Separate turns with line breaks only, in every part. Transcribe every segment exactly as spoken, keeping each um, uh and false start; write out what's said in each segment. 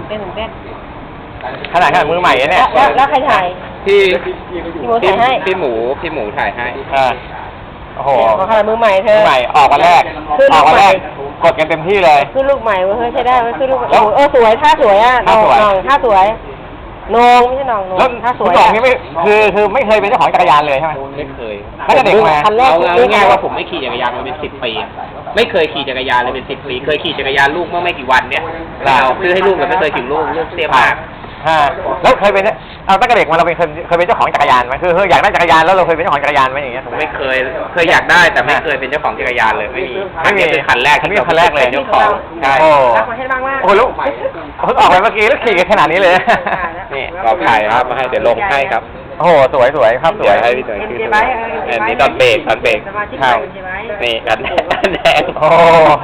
เต้นเต้น
ขนาดขนาดมือใหม่เนี่ย
แล้วแล้วใครถ่าย
พี่
พี่หมูถ่ายให้
พี่หมูพี่หมูถ่ายให้
อ่าโอ้โห
ขนาดมือใหม่เธอ
มือใหม่ออกวันแรกออกวันแรกกดกันเต็มที่เลย
คือลูกใหม่เว้ยใช้ได้เว้ยคือลูกเออสวยท่าสวยอ่ะน้องท่าสวยนงไม่ใช่น้องนงท่าสวย
สองนี่ไม่คือคือไม่เคยเป็นเจ้าของจักรยานเลยใช่ไหม
ไม่เคย
ถ้าจะเด็กมา
เอาง่ายๆว่าผมไม่ขี่จักรยานมาเป็นสิบปีไม่เคยขี่จักรยานเลยเป็นสิบปีเคยขี่จักรยานลูกเมื่อไม่กี่วันเนี่ยเราซื้อให้ลูกแต่ไม่เคยขี่ลูกลูกเสียมาก
ฮะแล้วเคยเป็นเอาตั้งแต่เด็กมาเราเป็นเคยเคยเป็นเจ้าของจักรยานไหมคืออยากได้จักรยานแล้วเราเคยเป็นเจ้าของจักรยานไหมอย่างเงี้ย
ผมไม่เคยเคยอยากได้แต่ไม่เคยเป็นเจ้าของจักรยานเลยไม่มีไม่มีเป็นคันแรก
ที่คันแรกเลย
เจ้าของใช่
โอ้โ
หลูกเพิ่งออกไปเมื่อกี้แล้วขี่กันขนาดนี้เลย
นี่เราถ่ายครับมาให้เดี๋ยวลงให้ครับ
โอ้โหสวยสวยครับสวย
ให้พี่หน่อยคืออันนี้ตอนเบรกตอนเบรก
ครับ
นี่กันแดง
โอ้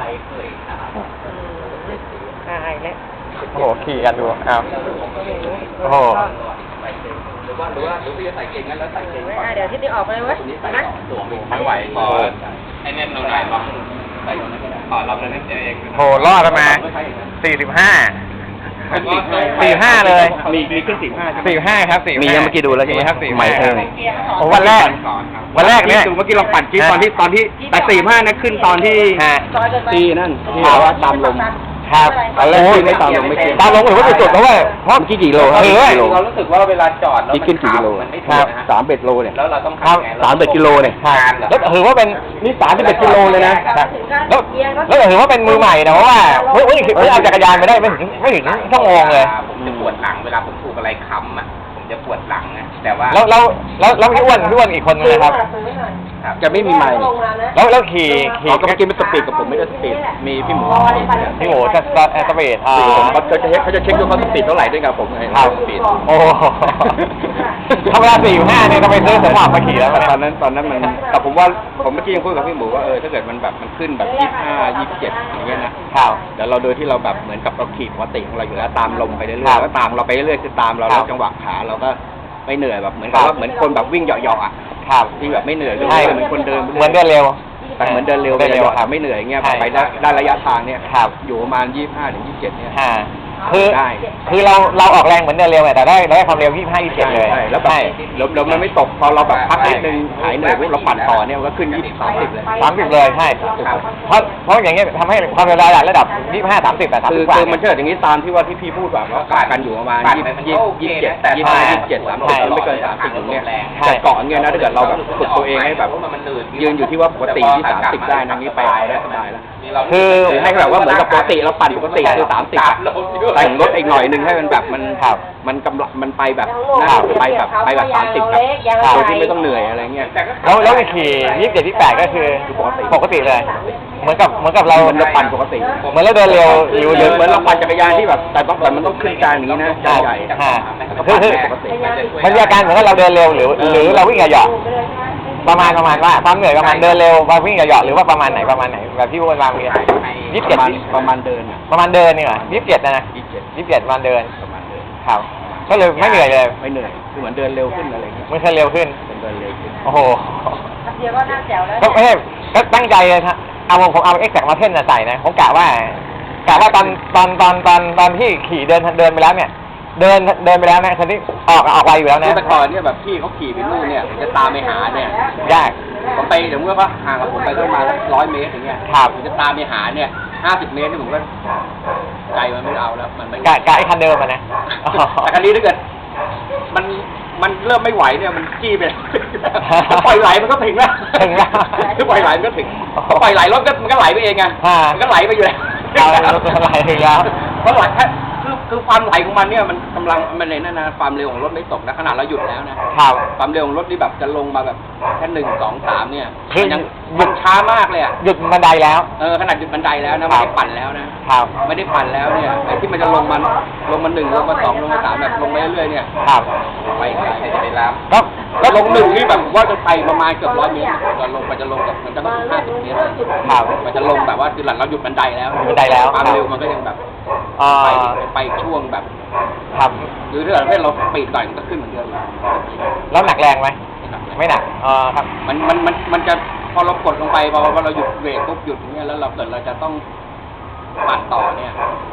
อ่าเนี่ย
โอ้โหขี่กันดูอ้าวโอ้โห
หรือว่าหรือว่าหรือพี่จะใส่เก่งงั้นแล้วใส่เก่ง
อ่าเดี๋ยวที่นี่ออกไปเลยเว้ย
นะไม่ไหวพอให้แน่นเราหน่อยล็อกใส่ขอล็อกแล้วนั่นเอง
โหรอดมาสี่สิบห้าสี่ห้าเลย
มีมีขึ้นสี่ห้า
สี่ห้าครับสี่
มียังเมื่อกี้ดูแล้วใช่ไหม
ครับสี่
ใหม่เออ
โอ้วันแรกวันแรกเนี่ย
ดูเมื่อกี้เราปั่นคลิปตอนที่ตอนที่แต่สี่ห้านะขึ้นตอนที่ที่นั่นที่ว่าตามลม
ครับ
ตอนแรกที่ไม่ตามลงไม่ขึ้น
ตามลงหรือว่าจุดๆเพราะว่าเพราะ
กี่กิโลครับเรารู้สึกว่าเวลาจอดแล้ว
มันขึ้นกี่กิโล
มันไม่ถึงสามเบ็ดโลเนี่ยแล้วเราต้องทำไง
สามเบ็ดกิโลเนี่ยแล้วถือว่าเป็นนี่สามสิบเอ็ดกิโลเลยนะแล้วแล้วถือว่าเป็นมือใหม่นะเพราะว่าเฮ้ยเฮ้ยเอาจักรยานไปได้ไม่ถึงไม่ถึงชั่วโมงเลย
ผมจะปวดหลังเวลาผมถูกอะไรค้ำอ่ะผมจะปวดหลังนะแต่ว่า
แล้วแล้วแล้วแล้วพี่อ้วนพี่อ้วนอีกคนนึงนะครับ
จะไม่มีไม้
แล้วแล้วขี่ขี่
ก็เมื่อกี้มันสปีดกับผมไม่ได้สปีดมีพี่หมู
พี่หมูจะสปีดอ่า
เขาจะเช็คเขาจะเช็คดูเขาสปีดเท่าไหร่ด้วยกับผมไง
ครับ
สปีด
โอ้ธรรมดาสี่ห้าเนี่ยต้องไปซื้อสมบัติมาขี่แล้ว
ตอนนั้นตอนนั้นมันแต่ผมว่าผมเมื่อกี้ยังพูดกับพี่หมูว่าเออถ้าเกิดมันแบบมันขึ้นแบบยี่สิบห้ายี่สิบเจ็ดอย่างเงี้ยนะครับเดี๋ยวเราโดยที่เราแบบเหมือนกับเราขี่ปกติของเราอยู่แล้วตามลมไปเรื่อยๆแล้วตามเราไปเรื่อยๆคือตามเราแล้วจังหวะขาเราก็ไม่เหนื่อยแบบเหมือนกับว่าเหมือนคนแบบวิ่งเหยาะๆอ่ะที่แบบไม่เหนื่อยใช่
เห
มือนคนเดิน
เหมือนเดินเร็ว
แต่เหมือนเดินเร็วเร็วค่ะไม่เหนื่อยเงี้ยไปได้ได้ระยะทางเนี่ยอยู่ประมาณยี่สิบห้าถึงยี่สิบเจ็ดเนี่ย
คือคือเราเราออกแรงเหมือนเดินเร็วแต่ได้ได้ความเร็วยี่สิบห้ายี่สิบเจ็ดเลย
ใช่แล้วแบบลมมันไม่ตกพอเราแบบพักนิดนึงหายเหนื่อยปุ๊บเราปั่นต่อเนี่ยมันก็ขึ้นยี่สิบสามสิบเลย
สามสิบเลยใช่เพราะเพราะอย่างเงี้ยทำให้ความเร็วระดับยี่สิบห้าสามสิบแต่สามสิบกว่า
คือมันเชื่ออย่างนี้ตามที่ว่าที่พี่พูดแบบว่าเกาะกันอยู่ประมาณยี่สิบยี่สิบเจ็ดยี่สิบห้ายี่สิบเจ็ดสามสิบไม่เกินสามสิบอย่างเงี้ยแต่เกาะเงี้ยนะถ้าเกิดเราแบบฝึกตัวเองให้แบบยืนอยู่ที่ว่าปกติที่สามสิบได้นะนี้ไปได้สบายแล้วคือให้แบบว่าเหมือนกับปกติเราปั่นปกติคือสามสิบแต่งรถอีกหน่อยนึงให้มันแบบมันมันกำลังมันไปแบบน่าไปแบบไปแบบสามสิบแบบโดยที่ไม่ต้องเหนื่อยอะไรเงี้ย
แล้วแล้วขี่ยี่สิบเจ็ดที่แปดก็คือปกติเลยเหมือนกับเหมือนกับเรา
มันจะปั่นปกติ
เหมือนเราเดินเร็ว
หรือเหมือนเราปั่นจักรยานที่แบบแต่ต้องแต่มันต้องขึ้นกลางอย่างนี้นะใหญ่
คือคือมันมีอาการเหมือนกับเราเดินเร็วหรือหรือเราวิ่งเหยาะประมาณประมาณว่าความเหนื่อยประมาณเดินเร็วมาวิ่งเหยาะหรือว่าประมาณไหนประมาณไหนแบบที่วนวางเรียนยี่สิบเจ็ด
ประมาณเดิน
ประมาณเดินนี่เหรอยี่สิบเจ็ดนะนะ
ยี่สิบเจ็ด
ยี่สิบเจ็ดประมาณเดิน
ประมาณเดิน
ครับก็เลยไม่เหนื่อยเลย
ไม่เหนื่อยคือเหมือนเดินเร็วขึ้นอะไรเงี้ย
ไม่เคยเร็วขึ้น
เป็นเดินเร็วขึ้น
โอ้โห
เดียวก็น่าแจ๋วแล้ว
ก็ไม่ใช่ก็ตั้งใจเลยครับเอาผมเอาเอ็กแซกมาเพ่นใส่นะผมกะว่ากะว่าตอนตอนตอนตอนตอนที่ขี่เดินเดินไปแล้วเนี่ยเดินเดินไปแล้วนะทันทีออกออกไวอยู่แล้วนะ
แต่ก่อนเนี่ยแบบพี่เขาขี่ไปนู่นเนี่ยจะตามไปหาเนี่ย
ยาก
ผมไปเดี๋ยวเมื่อว่าห่างกับผมไปประมาณร้อยเมตรอย่างเงี้ย
ครับ
จะตามไปหาเนี่ยห้าสิบเมตรนี่ผมก็ใจมันไม่เอาแล้วมันไม่
กะกะไอ้คันเดิมมันนะ
แต่คันนี้ถ้าเกิดมันมันเริ่มไม่ไหวเนี่ยมันจี้ไปปล่อยไหลมันก็ถึงแล้ว
ถึงแล้ว
คือปล่อยไหลมันก็ถึงปล่อยไหลรถก็มันก็ไหลไปเองไงมันก็ไหลไปอยู่แล้ว
ไหลถึงแล้ว
เพราะไหลแค่คือคือความไหลของมันเนี่ยมันกำลังมันในนั่นนะความเร็วของรถไม่ตกนะขนาดเราหยุดแล้วนะครับความเร็วของรถนี่แบบจะลงมาแบบแค่หนึ่งสองสามเนี่ยยังมันช้ามากเลยอ่ะ
หยุดบันไดแล้ว
เออขนาดหยุดบันไดแล้วนะไม่ได้ปั่นแล้วนะครับไม่ได้ปั่นแล้วเนี่ยไอ้ที่มันจะลงมันลงมาหนึ่งลงมาสองลงมาสามแบบลงไปเรื่อยๆเนี่ย
ครับ
ไปไกลจะไปแล้วก็ลงหนึ่งนี่แบบว่าจะไปประมาณเกือบร้อยเมตรจะลงไปจะลงแบบมันจะต้องห้าสิบเมตร
ครับ
มันจะลงแบบว่าคือหลังเราหยุดบันไดแล้ว
บันไดแล้ว
ความเร็วมันก็ยังแบบไปไปช่วงแบบ
ครับ
หรือถ้าเกิดเราปีดหน่อยมันก็ขึ้นเหมือนเดิม
แล้วหนักแรงไหมไม่หนักอ๋อครับ
มันมันมันมันจะพอเรากดลงไปพอเราหยุดเบรกปุ๊บหยุดอย่างเงี้ยแล้วเราเกิดเราจะต้องปั่นต่อเนี่ย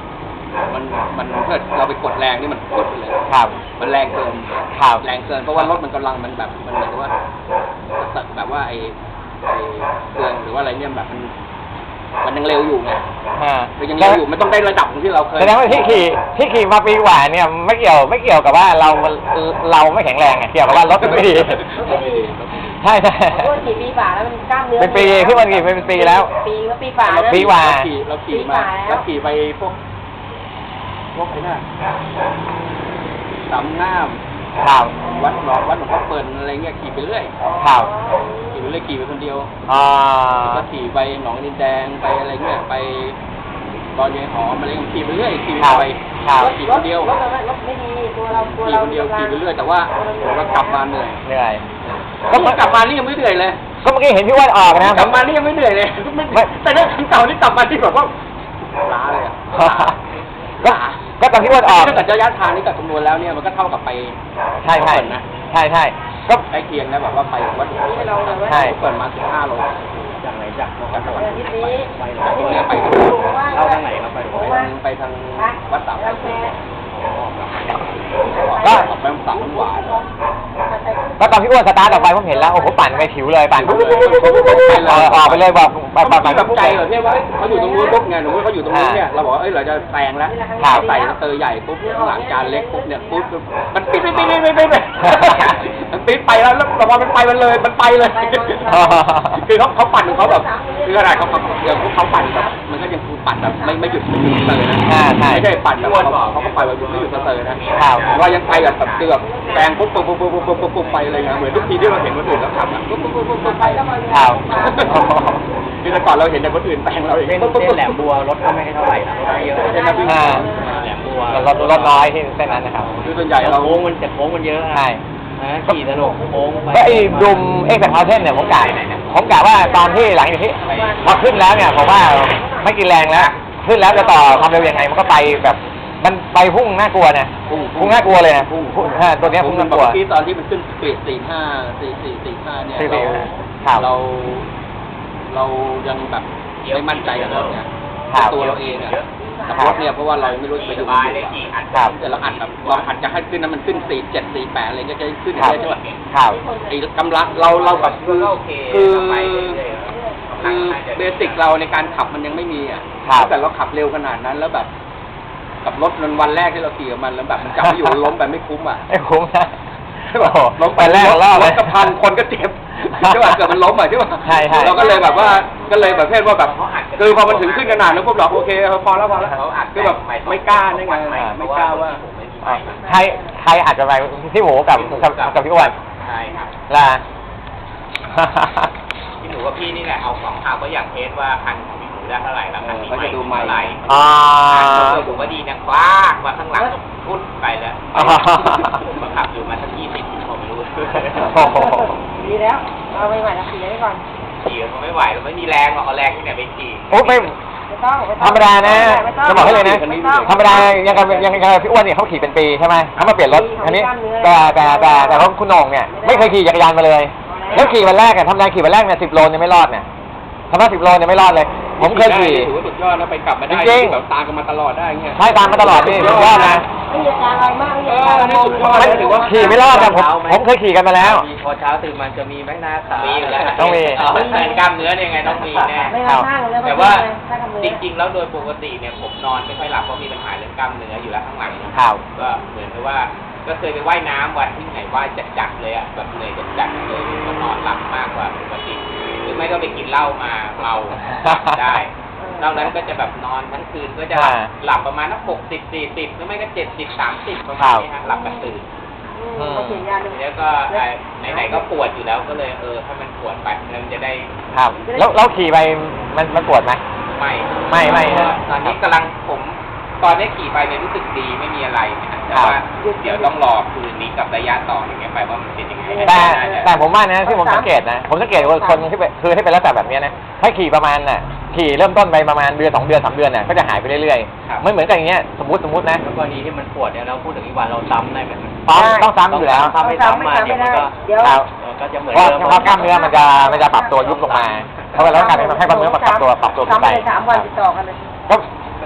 มันมันเกิดเราไปกดแรงนี่มันกดไปเลย
ครับ
มันแรงเกิน
ครับ
แรงเกินเพราะว่ารถมันกำลังมันแบบมันเหมือนกับว่าแบบว่าไอ้ไอ้เครื่องหรือว่าอะไรเนี่ยแบบมันมันยังเร็วอยู่ไง
อ่า
มันยังเร็วอยู่มันต้องได้ระดับที่เราเคย
แสดงว่าที่ขี่ที่ขี่มาปีกว่าเนี่ยไม่เกี่ยวไม่เกี่ยวกับว่าเราเราไม่แข็งแรงไงเกี่ยวกับว่ารถมันไม่ดีใช่ใช่
โอ้ยขี่ปีฝ่าแล้วมันกล้ามเนื้อ
เป็นปีที่มันขี่เป็นปีแล้ว
ปีก็ปีฝ่านะ
ปีกว่า
เราขี่เราขี่มาเราขี่ไปพวกพวกไอ้น่ะสามงาม
ครับ
วัดหลวงวัดหลวงพ่อเปิ่นอะไรเงี้ยขี่ไปเรื่อย
ครับ
ขี่ไปเรื่อยขี่ไปคนเดียว
อ่า
ก็ขี่ไปหนองดินแดงไปอะไรเงี้ยไปตอนยายหอมอะไรเงี้ยขี่ไปเรื่อยขี่
ครับ
ไป
ครับ
ขี่คนเดียว
รถรถไม่ดีตัวเราตัว
ขี่
เรา
คนเดียวขี่ไปเรื่อยแต่ว่าเรากลับมาเหนื่อย
เหนื่อย
ก็มันกลับมานี่ยังไม่เหนื่อยเลย
ก็เมื่อกี้เห็นพี่อ้วนออกนะ
กลับมานี่ยังไม่เหนื่อยเลยไม่แต่เรื่องคันเก่านี่กลับมาที่แบบว่าล้าเลยอะ
ก็ก็ตอนพี่อ้วนออก
ถ้าเกิดระยะทางนี่กับคำนวณแล้วเนี่ยมันก็เท่ากับไป
ใช่ใช่
เปิดนะ
ใช่ใช่ก็
ใกล้เคียงนะแบบว่าไปวัดหลวงพ่อ
ให้เราเลยว่า
ใช่
เปิดมาสิบห้าโลจากไหนจากจากจังหวัด
อาทิตย์นี้
ไปจากที่เนี่ยไปเข้าทางไหนครับไปไปทางไปทางวัดสาม
กาแฟ
ก็
ออกไปสามหวาน
ก็ตอนพี่อ้วนสตาร์ทออกไปผมเห็นแล้วโอ้โหปั่นไปผิวเลยปั่นปุ๊บปุ๊บปุ๊บปุ๊บปุ๊บปุ๊บเออออกไปเลยบอกแบบแบบ
แบบใจเหรอเนี่ยว่าเขาอยู่ตรงนู้นปุ๊บไงหนูว่าเขาอยู่ตรงนู้นเนี่ยเราบอกว่าเอ้ยเราจะแซงแล้วใส่สเตอร์ใหญ่ปุ๊บข้างหลังจานเล็กปุ๊บเนี่ยปุ๊บมันปิดไปไปไปไปไปมันปิดไปแล้วแล้วพอมันไปมันเลยมันไปเลยคือเขาเขาปั่นของเขาแบบคือขนาดเขาอย่างเขาปั่นแบบมันก็ยังปั่นแบบไม่ไม่หยุดไม่หยุดเลยนะไม่ใช่ปั่นแบบเขาเขาก็ปั่นแบบไม่หยุดสเตอร์นะว่ายังไปแบบเกือบแซงปุ๊บปุ๊บปุ๊บปุ๊บปุ๊บปุ๊บปุ๊บไปเลยนะเหมือนทุกทีที่เราเห็นคนอื่นแล้วขับอ่ะปุ๊บปุ๊บปุ๊บปุ๊บไปแล้ว
ครับ
คือแต่ก่อนเราเห็นแต่คนอื่นแต่งเราเอง
เส้นเส้นแหลมบัวรถก็ไม่ค่อยเท่าไหร่นะรถไม่เยอะ
ใช่ไหมพี่
อ่า
แหลมบัว
รถรถน้อยที่เส้นนั้นนะครับ
คือส่วนใหญ่เรา
โค้งมันแต่โค้งมันเยอะ
ใช่
นะขี่สนุกโค้งไป
ก็ไอ้ดุมเอ็กซ์พาเทนเนี่ยผมกะผมกะว่าตอนที่หลังจากที่พอขึ้นแล้วเนี่ยผมว่าไม่กินแรงแล้วขึ้นแล้วจะต่อความเร็วยังไงมันก็ไปแบบมันไปพุ่งน่ากลัวเนี่ยพุ่งน่ากลัวเลยนะพุ่งตัวเนี้ยพุ่งน่ากลัว
ที่ตอนที่มันขึ้นสปีดสี่ห้าสี่สี่สี่ห้าเนี่ย
สี่สี่
เรา
ครับ
เรา เรายังแบบไม่มั่นใจกับรถเนี่ย
ครับ
ตัวเราเองอะกับรถเนี่ยเพราะว่าเราไม่รู้จะไปดู
ครับ
แต่เราอัดแบบเราอัดจะให้ขึ้นนั้นมันขึ้นสี่เจ็ดสี่แปดอะไรก็จะขึ้น
ครับ
ได้ใช่ไหม
ครับ
ไอ้กำลังเราเราแบบคือคือคือเบสิกเราในการขับมันยังไม่มีอ่ะ
ครับ
แต่เราขับเร็วขนาดนั้นแล้วแบบกับรถมันวันแรกที่เราขี่กับมันแล้วแบบมันกลับมาอยู่ล้มแบบไม่คุ้มอ่ะ
ไม่คุ้มนะ
ใช่ป่ะ
ล้มไปแรกรอบ
รถกระพันคนก็เจ็บใช่ป่ะเกิดมันล้มอ่ะใช่ป่ะ
ใช่ใช่
เราก็เลยแบบว่าก็เลยแบบเพศว่าแบบคือพอมันถึงขึ้นขนาดนั้นพวกเราโอเคพอแล้วพอแล้วคือแบบไม่กล้าได้ไงไม่กล้าว่า
อ่ะใครใครอาจจะไปพี่หมูกับกับกับพี่อ้วน
ใช่ครับ
ล่ะ
พี่หนูกับพี่นี่แหละเอาของข่าวก็อยากเทสว่าคันของพี่หนูได้เท่าไหร่แล้วคันนี้
เออเขาจะดูไมค์
เท่าไหร่
อ่า
ตัวผมว่าดีนะคว้ากว่าข้างหลังพุ่นไปแล้ว
อ่า
มาขับอยู่มาสักยี่สิบผมไม่รู้
โอ้โห
ดีแล้วเอาไปใหม่ละขี่ไว้ก่อน
ขี่ก็ไม่ไหวแล้วไม่มีแรงหรอกเอาแรงที่ไหนไปขี่
โอ้ไม่
ไม่ต้องไม่ต้อง
ธรรมดานะ
ไม่ต้อง
จะบอกให้เลยนะ
ไม่ต้อง
ธรรมดายังกับยังกับพี่อ้วนเนี่ยเขาขี่เป็นปีใช่ไหมเขามาเปลี่ยนรถคันนี้แต่แต่แต่แต่เขาคุณโหน่งเนี่ยไม่เคยขี่จักรยานมาเลยแล้วขี่วันแรกเนี่ยธรรมดาขี่วันแรกเนี่ยสิบโลเนี่ยไม่รอดเนี่ยธรรมดาสิบโลเนี่ยไม่รอดเลย ผมเคยขี่
ถือว่าสุดยอดนะไปกลับมาได้
จริงๆ
แบบตามกันมาตลอดได้เงี้ย
ใช่ตามมาตลอดนี่สุดยอดนะ
ไม่มีอาการอะไรมากไม่มีอาการ
เออนี่สุดยอด
มันถือว่าขี่ไม่รอดนะผมผมเคยขี่กันมาแล้ว
พอเช้าตื่นมันจะมีแม่หน้าขามีอยู่แล้ว
ต้องมี
เอาแขนกล้ามเนื้อเนี่ยไงต้องมีแน่
ไม่รับข้างเลย
แต่ว่า
ข้างกับมือ
จริงๆ แล้วโดยปกติเนี่ยผมนอนไม่ค่อยหลับเพราะมีปัญหาเรื่องกล้ามเนื้ออยู่แล้วข้างหลัง
ครับ
ก็เหมือนกับว่าก็เคยไปว่ายน้ำวันที่ไหนว่ายจัดๆเลยอ่ะแบบเหนื่อยจัดๆเลยก็นอนหลับมากกว่าปกติหรือไม่ก็ไปกินเหล้ามาเมาได้นอกนั้นก็จะแบบนอนทั้งคืนก็จะหลับ
อ่า
หลับประมาณนักหกสิบสี่สิบหรือไม่ก็เจ็ดสิบสามสิบประมาณนี้ฮะหลับกับตื่น
อืมเขาเขียนยาหนึ่ง
แล้วก็เอ่อไหนๆก็ปวดอยู่แล้วก็เลยเออถ้ามันปวดไปมันจะได้
ครับ แล้วแล้วขี่ไปมันมันปวดไหม
ไม่
ไม่ไม่
เพราะว่าตอนนี้กำลังผมตอนนี้ขี่ไปเนี่ยรู้สึกดีไม่มีอะไรนะแต่ว่าเดี๋ยวต้องรอคืนนี้กับระยะต่ออย่างเงี้ยไปว่ามันเป็นยังไง
แต่แต่ผมว่านะที่ผมสังเกตนะผมสังเกตว่าคนที่เป็นคือที่เป็นลักษณะแบบเนี้ยนะถ้าขี่ประมาณน่ะขี่เริ่มต้นไปประมาณเดือนสองเดือนสามเดือนน่ะก็จะหายไปเรื่อยๆไม่เหมือนกันอย่างเงี้ยสมมติสมมตินะ
แล้วกรณีที่มันปวดเนี่ยเราพูดถึงอีกวันเราซ้ำได้ไหม
ต้องต้องซ้ำอยู่แล้ว
ถ้าไม่ซ้ำมาเดี๋ยวมันก็
เดี๋ยว
ครับ
เออก็จะเหมือน
เพราะ
เดิม
เพราะกล้ามเนื้อมันจะมันจะปรับตัวยุบลงมาเพราะว่าแล้วการให้กล้ามเนื้อมันปรับตัวปรับตัวขึ้นไป
สามวันติดต่อกันเลย
ก็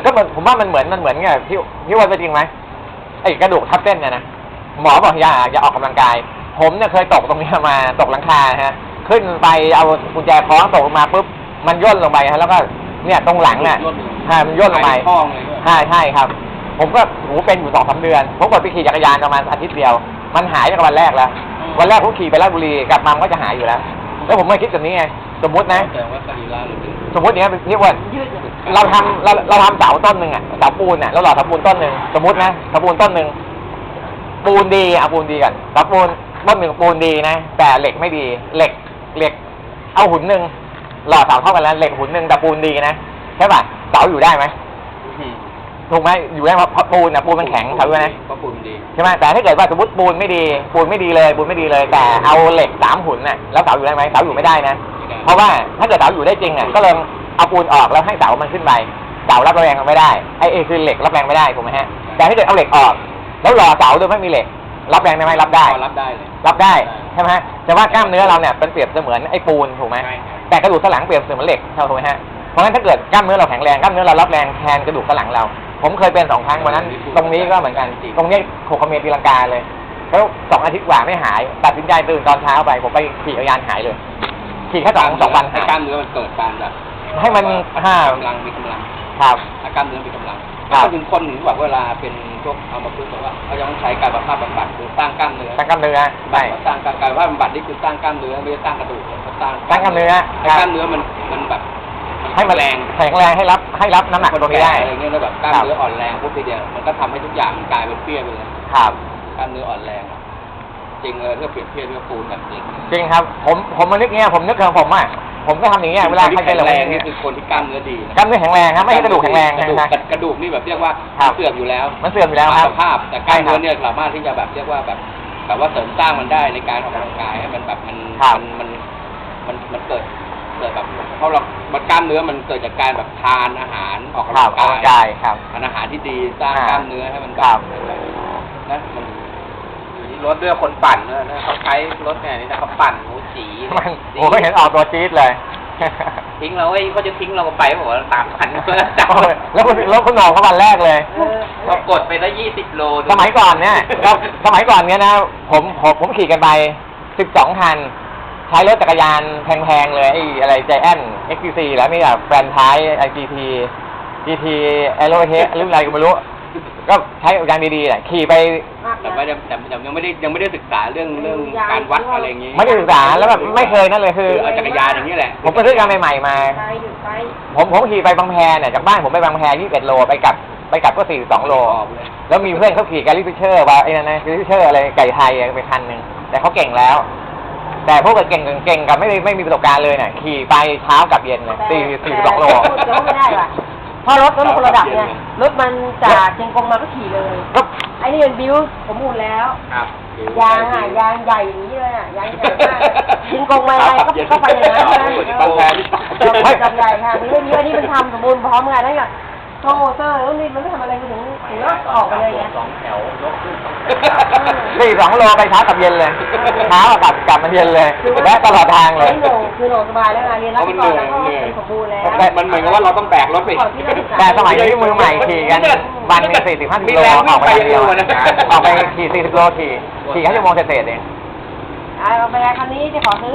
ก็เหมือนผมว่ามันเหมือนมันเหมือนไงพี่พี่ว่าเป็นจริงไหมไอ้กระดูกทับเส้นเนี่ยนะหมอบอกอย่าอย่าออกกำลังกาย ผมเนี่ยเคยตกตรงนี้มาตกหลังคาฮะขึ้นไปเอากุญแจคล้องตกลงมาปุ๊บมันย่นลงไปฮะแล้วก็เนี่ยตรงหลังอ่ะใช่มันย่นลงไปใช่ใช่ครับ ผมก็หูเป็นอยู่สองสามเดือนผมกดไปขี่จักรยานประมาณอาทิตย์เดียวมันหายจากวันแรกแล้ววันแรกผมขี่ไปราชบุรีกลับมามันก็จะหายอยู่แล้วแล้วผมไม่คิดแบบนี้ไงสมมตินะสมมติเนี้ยพี่อ้วนเราทำเราเราทำเสาต้นหนึ่งอ่ะเสาปูนอ่ะเราหล่อเสาปูนต้นหนึ่งสมมตินะเสาปูนต้นหนึ่งปูนดีเอาปูนดีก่อนเสาปูนต้นหนึ่งปูนดีนะแต่เหล็กไม่ดีเหล็กเหล็กเอาหุ่นหนึ่งหล่อเสาเท่ากันแล้วเหล็กหุ่นหนึ่งแต่ปูนดีนะใช่ป่ะเสาอยู่ได้ไหมถูกไหมอยู่ได้เพราะปูนอ่ะปูนมันแข็งเสาด้วยนะ
เพราะปูนดี
ใช่ไหมแต่ถ้าเกิดว่าสมมติปูนไม่ดีปูนไม่ดีเลยปูนไม่ดีเลยแต่เอาเหล็กสามหุ่นน่ะแล้วเสาอยู่ได้ไหมเสาอยู่ไม่ได้นะเพราะว่าถ้าเกิดเสาอยู่ได้จริงอ่ะก็เลยเอาปูนออกแล้วให้เสามันขึ้นไปเสารับแรงไม่ได้ไอ้เอคือเหล็กรับแรงไม่ได้ถูกไหมฮะแต่ถ้าเกิดเอาเหล็กออกแล้วรอเสาโดยไม่มีเหล็กรับแรงได้ไหมรับได้
รับได้เลย
รับได้ใช่ไหมแต่ว่ากล้ามเนื้อเราเนี่ยเป็นเปรียบเสมือนไอ้ปูนถูกไหมแต่กระดูกสันหลังเปรียบเสมือนเหล็กถูกไหมฮะเพราะงั้นถ้าเกิดกล้ามเนื้อเราแข็งแรงกล้ามเนื้อเรารับแรงแทนกระดูกสันหลังเราผมเคยเป็นสองครั้งวันนั้นตรงนี้ก็เหมือนกันตรงนี้โคคเมตีลังกาเลยแล้วสองอาทิตย์กว่าไม่หายตัดสินใจตื่นตอนเช้าไปผมไปขี่จักรยานหายเลยขี่แค่สองสองวัน
ให้กล้ามเนื้อมันเกิดการแบบ
ให้มันห้าก
ำลังมีกำลัง
ครับ
ให้กล้ามเนื้อมีกำลังก็ถึงคนหนึ่งแบบเวลาเป็นพวกเอามาพูดบอกว่าเขายังใช้การบำบัดบำบัดหรือสร้างกล้ามเนื้อ
สร้างกล้ามเนื้อใช่
สร้างการการว่าบำบัดนี่คือสร้างกล้ามเนื้อไม่ใช่สร้างกระดูกเขาสร้าง
สร้างกล้ามเนื้อ
ให้กล้ามเนื้อมันมันแบบ
ให้มันแรงแข็งแรงให้รับให้รับน้ำหนักตรงนี้ได้
อะไรเงี้ยแล้วแบบกล้ามเนื้ออ่อนแรงพวกทีเดียวมันก็ทำให้ทุกอย่างมันกลายเป็นเปี้ยไปเลย
ครับ
กล้ามเนื้ออ่อนแรงจริงเลยถ้าเปรียบเทียบด้วยปูนแบบจริง
จริงครับผมผมมานึกเงี้ยผมนึกถึงผมอ่ะผมก็ทำอย่างเงี้ยเวลาใครเป็นแรง
นี่คือคนที่กล้ามเนื้อดี
กล้ามเนื้อแข็งแรงครับไม่ใช่กระดูกแข็งแรงนะ
กระดูกนี่แบบเรียกว่าเสื่อมอยู่แล้ว
มันเสื่อมอยู่แล้วครับ
สภาพแต่กล้ามเนื้อเนี่ยสามารถที่จะแบบเรียกว่าแบบแบบว่าเสริมสร้างมันได้ในการออกกำลังกายให้มันแบบมันมันมันมันเกิดเกิดแบบเพราะเรามันกล้ามเนื้อมันเกิดจากการแบบทานอาหารออกกำลัง
กายครับ
ทานอาหารที่ดีสร้างกล้ามเนื้อให้มันแบบนะมัน
รถด้วยคนปั่นเนี่ยนะเขาใช้รถเนี่ยนี่นะเขาปั่นหมูจี
มันโอ้ก็เห็นออกตัวจี๊ดเลย
ทิ้งเราไอ้เขาจะทิ้งเราไปบอกว่าสามพัน
แล้วคุณแล้วคุณหนองเขาวันแรกเลย
เรากดไปได้ยี่สิบโล
สมัยก่อนเนี่ยสมัยก่อนเนี่ยนะผมผมผมขี่กันไปสิบสองคันใช้รถจักรยานแพงๆเลยไอ้อะไรใจแอนเอ็กซ์ซีแล้วนี่แบบแฟรนไชส์ไอจีทีจีทีแอโรเฮหรืออะไรก็ไม่รู้ก็ใช้ยางดีๆแหละขี่ไป
แต่ว่าแต่ยังไม่ได้ยังไม่ได้ศึกษาเรื่องเรื่องการวัดอะไรอย่างงี้
ไม่ได้ศึกษาแล้วแบบไม่เคยนั่นเลยคือ
จักรยานอย่างนี้แหละ
ผมไปซื้อกันใหม่ๆมาผมผมขี่ไปบางแพเนี่ยจากบ้านผมไปบางแพยี่สิบเอ็ดโลไปกลับไปกลับก็สี่สิบสองโลแล้วมีเพื่อนเขาขี่แกลลี่ฟิชเชอร์ว่าไอ้นั่นนะแกลลี่ฟิชเชอร์อะไรไก่ไทยไปคันหนึ่งแต่เขาเก่งแล้วแต่พวกเก่งเก่งกับไม่ไม่มีประสบการณ์เลยเนี่ยขี่ไปเช้ากับเย็นเลยสี่สี่สิบสองโล
ไม่ได้ว่ะเพราะรถรถคนระดับเนี่ยรถมันจากเชียงกงมาก็ขี่เลยไอ้นี่เป็นบิวสมบูรณ์แล้วยางอ่ะยางใหญ่อย่างนี้เลยอ่ะยางใหญ่มากเชียงกงมาอะไรก็ก็ไปอย่างนั้นนะ
บางแพนี่
ไม่จับใหญ่ค่ะมีเรื่องนี้อันนี้มันทำสมบูรณ์พร้อมกันแล้วอย่างโมเตอร์แล้วนี่มันไม่ทำอะไรถึงถึงก็ออกไปเลยไง
สองแถวยกขึ้น
สี่สองโลไปเช้ากับเย็นเลยเช้ากับกลับมาเย็นเลยและตลอดทางเลย
คือโหน่คือโหน่สบายแล้วไงเรียนรักก่อนแล้วก็เป็นสมบูรณ์แล้ว
มันเหมือนกับว่าเราต้องแบกรถไป
แต่สมัยนี้มือใหม่ขี่กันวันนึงสี่สิบห้าสิบโลออกไปเดียวออกไปขี่สี่สิบโลขี่ขี่แค่ชั่วโมงเศษๆเอง
เอาไปคันนี้จะขอซื้อ